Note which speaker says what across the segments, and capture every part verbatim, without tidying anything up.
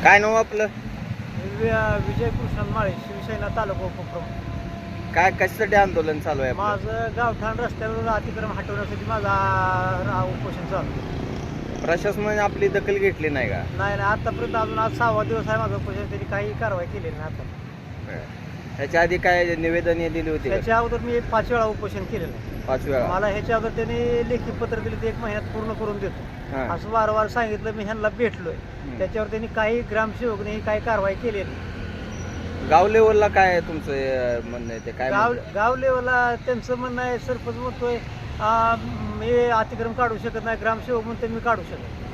Speaker 1: काय नाव आपलं?
Speaker 2: विजय कृष्ण माळे, शिवसेना तालुका उपप्रमुख.
Speaker 1: काय कशासाठी आंदोलन चालू आहे आपलं?
Speaker 2: माझं गावठाण रस्त्यावर अतिक्रम हटवण्यासाठी माझा रा- उपोषण चालू आहे.
Speaker 1: प्रशासनाने आपली दखल घेतली नाही का?
Speaker 2: नाही नाही आतापर्यंत अजून आज सहावा दिवस आहे माझं उपोषण, त्यांनी काही कारवाई केलेली नाही आता.
Speaker 1: ह्याच्या आधी काय निवेदन दिली होती का?
Speaker 2: त्याच्या अगोदर मी पाच वेळा उपोषण केलेलं आहे.
Speaker 1: पाच वेळा.
Speaker 2: मला ह्याच्या अगोदर त्यांनी लेखी पत्र दिले ते एक महिन्यात पूर्ण करून देतो
Speaker 1: हां.
Speaker 2: असं वारंवार सांगितलं. मी ह्यांना भेटलोय, त्याच्यावर त्यांनी काही ग्रामसेवकने काही कारवाई केलेली नाही.
Speaker 1: गाव लेवलला काय आहे तुमचं अं, म्हणणं आहे ते काय
Speaker 2: गाव
Speaker 1: म्हणतात?
Speaker 2: गाव लेवलला त्यांचं म्हणणं आहे, सरपंच म्हणतोय आ, मी अतिक्रम काढू शकत नाही, ग्रामसेवक म्हणतो मी काढू शकत नाही.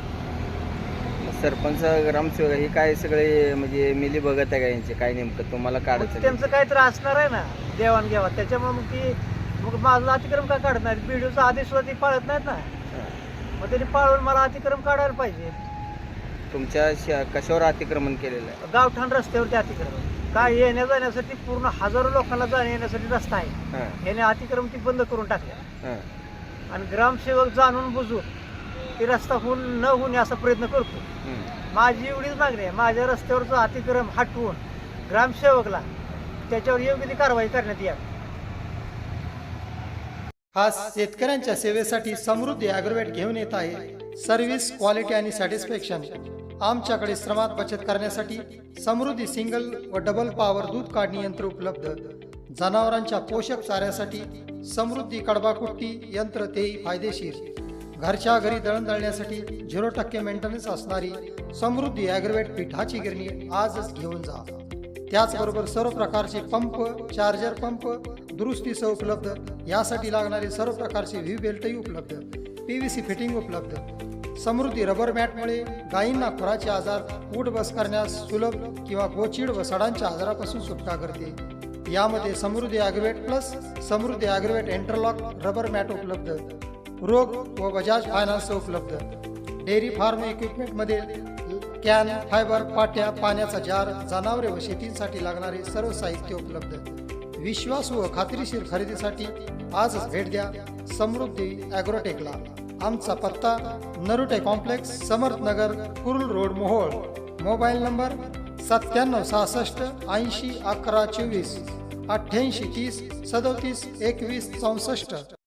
Speaker 1: सरपंच ग्रामसेवक हे काय सगळे म्हणजे मिली बघत आहे का यांचे काय नेमकं तुम्हाला
Speaker 2: मग
Speaker 1: काढायचं?
Speaker 2: त्यांचं काहीतरी असणार आहे ना देवाणघेवाण, त्याच्यामुळे मग ती मग माझं अतिक्रम का काढत नाहीत? बीडीओचा आदेश सुद्धा ती पाळत नाहीत ना, मग त्यांनी पाळून मला अतिक्रम काढायला पाहिजे.
Speaker 1: तुमच्या श- कशावर अतिक्रमण केलेलं आहे?
Speaker 2: गावठाण रस्त्यावरती अतिक्रमण काय येण्या जाण्यासाठी पूर्ण हजारो लोकांना जाण्या येण्यासाठी रस्ता आहे,
Speaker 1: हां,
Speaker 2: याने अतिक्रम ती बंद करून टाकल्या.
Speaker 1: हां.
Speaker 2: आणि ग्रामसेवक जाणून बुजून ती रस्ता होऊन न होणे असा प्रयत्न करतो.
Speaker 1: हं.
Speaker 2: माझी एवढीच मागणी आहे, माझ्या रस्त्यावरचं अतिक्रम हटवून ग्रामसेवकला त्याच्यावर योग्य ती कारवाई करण्यात यावी.
Speaker 3: आज शेतकऱ्यांच्या सेवेसाठी समृद्धी ॲग्रोवेट घेऊन येत आहे सर्व्हिस, क्वालिटी आणि सॅटिस्फॅक्शन. आमच्याकडे श्रमात बचत करण्यासाठी समृद्धी सिंगल व डबल पॉवर दूध काढणी यंत्र उपलब्ध. जनावरांच्या पोषक चाऱ्यासाठी समृद्धी कडबाकुट्टी यंत्र, तेही फायदेशीर. घरच्या घरी दळण दळण्यासाठी झिरो टक्के मेंटेनन्स असणारी समृद्धी ॲग्रोवेट पिठाची गिरणी आजच घेऊन जा. त्याचबरोबर सर्व प्रकारचे पंप, चार्जर पंप दुरुस्तीसह उपलब्ध. यासाठी लागणारे सर्व प्रकारचे व्ही बेल्टही उपलब्ध. पी व्ही सी फिटिंग उपलब्ध. समृद्धी रबर मॅटमुळे गायींना खुराचे आजार, उठ बस करण्यास सुलभ किंवा गोचीड व सडांच्या आजारापासून सुटका करते. यामध्ये Samruddhi agrovet plus Samruddhi agrovet interlock rubber mat उपलब्ध. रोग व बजाज फायनान्स उपलब्ध. डेअरी फार्म इक्विपमेंटमध्ये कॅन, फायबर, पाट्या, पाण्याचा जार, जनावरे व शेतीसाठी लागणारे सर्व साहित्य उपलब्ध. विश्वासू व खात्रीशीर खरेदीसाठी आजच भेट द्या समृद्धी ॲग्रोटेकला. आमचा पत्ता Narute complex, Samarthnagar, Kurul road, Mohol. Mobile number सत्त्याण्णव सहासष्ट ऐंशी अकरा चोवीस, अठ्ठ्याऐंशी तीस सदोतीस एकवीस चौसष्ट.